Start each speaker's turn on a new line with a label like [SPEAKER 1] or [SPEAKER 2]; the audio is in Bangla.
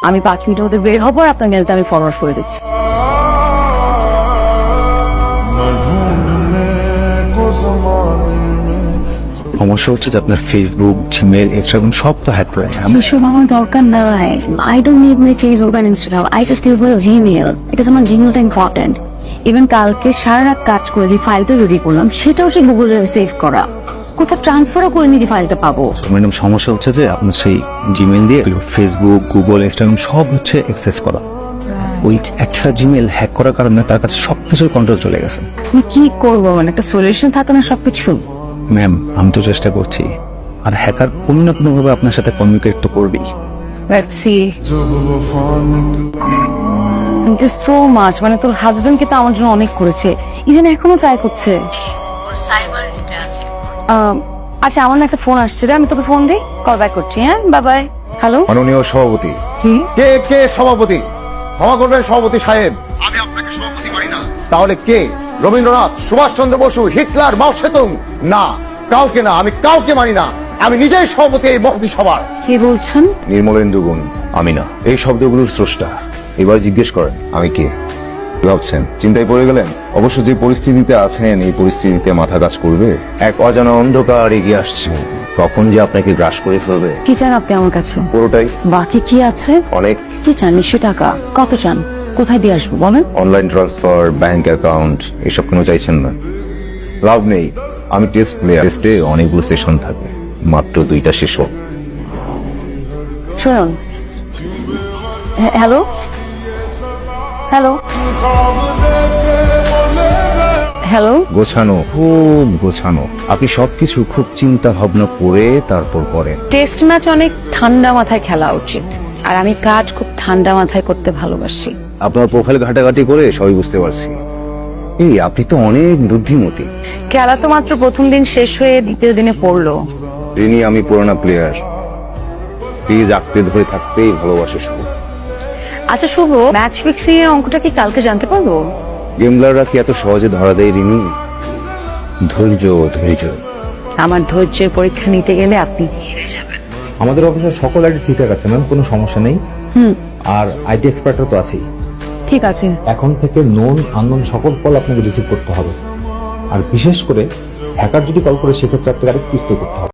[SPEAKER 1] আমি 5 মিনিটের মধ্যে বের হবো আর আপনার মেলটা আমি ফরওয়ার্ড করে দিচ্ছি।
[SPEAKER 2] সমস্যা হচ্ছে যে আপনার ফেসবুক, জিমেল, ইনস্টাগ্রাম সব তো হ্যাক করে।
[SPEAKER 1] সেসব আমার দরকার নাই। I don't need my Facebook and Instagram. I just need my Gmail because আমার জিমেলটা ইম্পর্টেন্ট। ইভেন কালকে সারা রাত কাজ করে যে ফাইলটা রেডি করলাম সেটাও সে গুগলে সেভ করা, কোথাও ট্রান্সফারও করে নিয়ে যে ফাইলটা পাবো।
[SPEAKER 2] ম্যাডাম সমস্যা হচ্ছে যে আপনার সেই জিমেল দিয়ে ফেসবুক, গুগল, ইনস্টাগ্রাম সব হচ্ছে অ্যাক্সেস করা। ওই একটা জিমেল হ্যাক করার কারণে তার কাছে সবকিছুর কন্ট্রোল চলে গেছে।
[SPEAKER 1] আমি কি করবো, মানে একটা সলিউশন থাকে না সবকিছু।
[SPEAKER 2] ম্যাম আমি তো চেষ্টা করছি, আর হ্যাকার কোনো না কোনো ভাবে আপনার সাথে কমিউনিকেট তো করবেই।
[SPEAKER 1] Let's see. Thank you so much. মানে তোর হাজবেন্ড কিন্তু আমার জন্য অনেক করেছে, ইভেন এখনো ট্রাই করছে। আচ্ছা আমার না একটা ফোন আসছে রে, আমি তোকে ফোন দিই, কল ব্যাক করছি। হ্যাঁ বাই বাই। হ্যালো,
[SPEAKER 3] মাননীয় সভাপতি।
[SPEAKER 1] কি?
[SPEAKER 3] কে সভাপতি? ক্ষমা করবেন সভাপতি সাহেব, আমি আপনাকে সভাপতি মানি না। তাহলে কে? Rabindranath, Subhash Chandra Basu, Hitler, Mao Tsetung? না, কাউকে না, আমি কাউকে মানি না। আমি নিজেই সভাপতি এই মহতি সভার।
[SPEAKER 1] কে বলছেন?
[SPEAKER 3] নির্মলেন্দু গুণ, আমি না। এই শব্দগুলোর স্রষ্টা। এবার জিজ্ঞেস করেন আমি কে। কি ভাবছেন? চিন্তায় পড়ে গেলেন? অবশ্য যে পরিস্থিতিতে আছেন এই পরিস্থিতিতে মাথা কাজ করবে। এক অজানা অন্ধকার এগিয়ে আসছে, কখন যে আপনাকে গ্রাস করে ফেলবে।
[SPEAKER 1] কি চান আপনি আমার কাছে?
[SPEAKER 3] পুরোটাই।
[SPEAKER 1] বাকি কি আছে?
[SPEAKER 3] অনেক।
[SPEAKER 1] কি চান? নিশ্চয় টাকা। কত চান? কোথায় দিয়ে আসবো বলেন?
[SPEAKER 3] অনলাইন ট্রান্সফার, ব্যাংক অ্যাকাউন্ট, এসব কেন চাইছেন না? লাভ নেই, আমি টেস্ট প্লেয়ার। টেস্টে অনেকগুলো সেশন থাকে, মাত্র 2টা শেষ হোক।
[SPEAKER 1] শুনুন, হ্যালো হ্যালো হ্যালো,
[SPEAKER 3] গোছানো, খুব গোছানো। আপনি সবকিছু খুব চিন্তা ভাবনা করে তারপর করেন।
[SPEAKER 1] টেস্ট ম্যাচ অনেক ঠান্ডা মাথায় খেলা উচিত, আর আমি কাজ খুব ঠান্ডা মাথায় করতে ভালোবাসি।
[SPEAKER 3] আপনার প্রোফাইল ঘাটাঘাটি করে সবই বুঝতে পারছি। এই আপনি তো অনেক বুদ্ধিমতী।
[SPEAKER 1] খেলা তো মাত্র প্রথম দিন শেষ হয়ে দ্বিতীয় দিনে পড়লো।
[SPEAKER 3] রিনি, আমি পুরোনো প্লেয়ার, প্লিজ আঁকড়ে ধরে থাকতেই ভালোবাসা শুভ।
[SPEAKER 1] আচ্ছা শুভ, ম্যাচ ফিক্সিং এর অঙ্কটা কি কালকে জানতে পারবো?
[SPEAKER 3] গেমলাররা কি এত সহজে ধরা দেয় রিনি? ধৈর্য ধৈর্য।
[SPEAKER 1] আমার ধৈর্যের পরীক্ষা নিতে গেলে আপনি হেরে যাবেন।
[SPEAKER 4] আমাদের অফিসের সকল আইডি ঠিকঠাক আছে ম্যাম, কোনো সমস্যা নেই। আর আইটি এক্সপার্টরা তো আছেই।
[SPEAKER 1] ঠিক আছে,
[SPEAKER 4] এখন থেকে নোন আননোন সকল কল আপনাকে রিসিভ করতে হবে, আর বিশেষ করে হ্যাকার যদি কল করে সেক্ষেত্রে আপনাকে আরেকটু স্টে করতে হবে।